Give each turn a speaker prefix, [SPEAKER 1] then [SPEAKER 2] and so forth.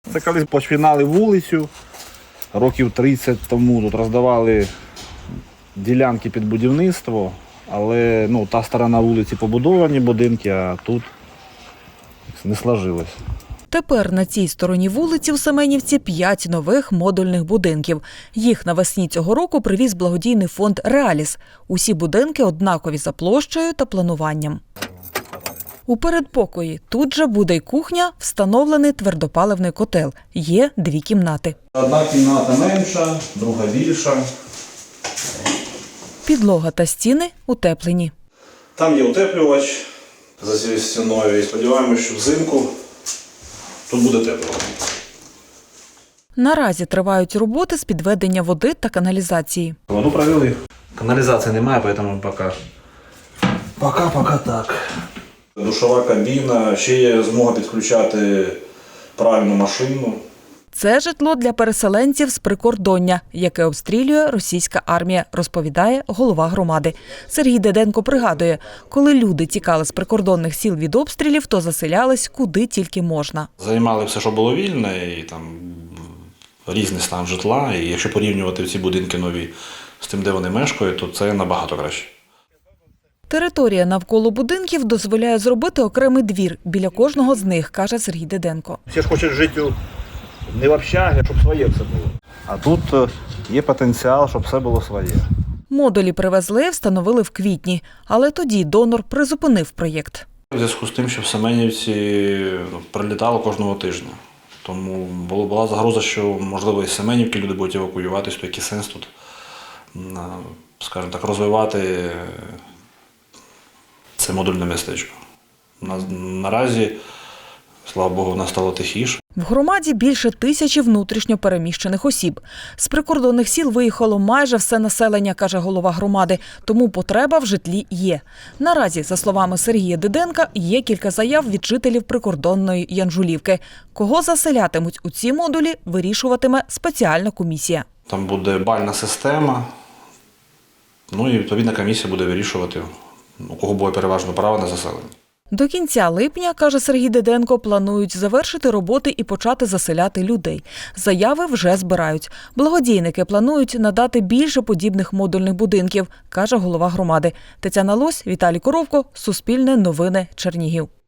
[SPEAKER 1] Це коли починали вулицю, років 30 тому тут роздавали ділянки під будівництво, але та сторона вулиці побудовані будинки, а тут не сложилось.
[SPEAKER 2] Тепер на цій стороні вулиці в Семенівці 5 нових модульних будинків. Їх навесні цього року привіз благодійний фонд «Реаліс». Усі будинки однакові за площею та плануванням. У передпокої тут же буде й кухня, встановлений твердопаливний котел. Є 2 кімнати.
[SPEAKER 1] Одна кімната менша, друга більша.
[SPEAKER 2] Підлога та стіни утеплені.
[SPEAKER 1] Там є утеплювач за цією стіною і сподіваємося, що взимку тут буде тепло.
[SPEAKER 2] Наразі тривають роботи з підведення води та каналізації.
[SPEAKER 1] Воду провели. Каналізації немає, тому поки так. Душова кабіна, ще є змога підключати пральну машину.
[SPEAKER 2] Це житло для переселенців з прикордоння, яке обстрілює російська армія, розповідає голова громади. Сергій Деденко пригадує, коли люди тікали з прикордонних сіл від обстрілів, то заселялись куди тільки можна.
[SPEAKER 1] Займали все, що було вільне, і там різний стан житла. І якщо порівнювати ці будинки нові з тим, де вони мешкають, то це набагато краще.
[SPEAKER 2] Територія навколо будинків дозволяє зробити окремий двір біля кожного з них, каже Сергій Деденко.
[SPEAKER 1] Всі ж хочуть жити не в общагі, а щоб своє все було. А тут є потенціал, щоб все було своє.
[SPEAKER 2] Модулі привезли, встановили в квітні, але тоді донор призупинив проєкт.
[SPEAKER 1] У зв'язку з тим, що в Семенівці прилітало кожного тижня. Тому була загроза, що, можливо, із Семенівки люди будуть евакуюватися, то який сенс тут, скажімо так, розвивати це модульне містечко. Наразі, слава Богу, в нас стало тихіше.
[SPEAKER 2] В громаді більше 1000 внутрішньо переміщених осіб. З прикордонних сіл виїхало майже все населення, каже голова громади, тому потреба в житлі є. Наразі, за словами Сергія Деденка, є кілька заяв від жителів прикордонної Янжулівки. Кого заселятимуть у ці модулі, вирішуватиме спеціальна комісія.
[SPEAKER 1] Там буде бальна система, і відповідна комісія буде вирішувати, у кого буде переважно право на заселення.
[SPEAKER 2] До кінця липня, каже Сергій Деденко, планують завершити роботи і почати заселяти людей. Заяви вже збирають. Благодійники планують надати більше подібних модульних будинків, каже голова громади. Тетяна Лось, Віталій Коровко, Суспільне новини, Чернігів.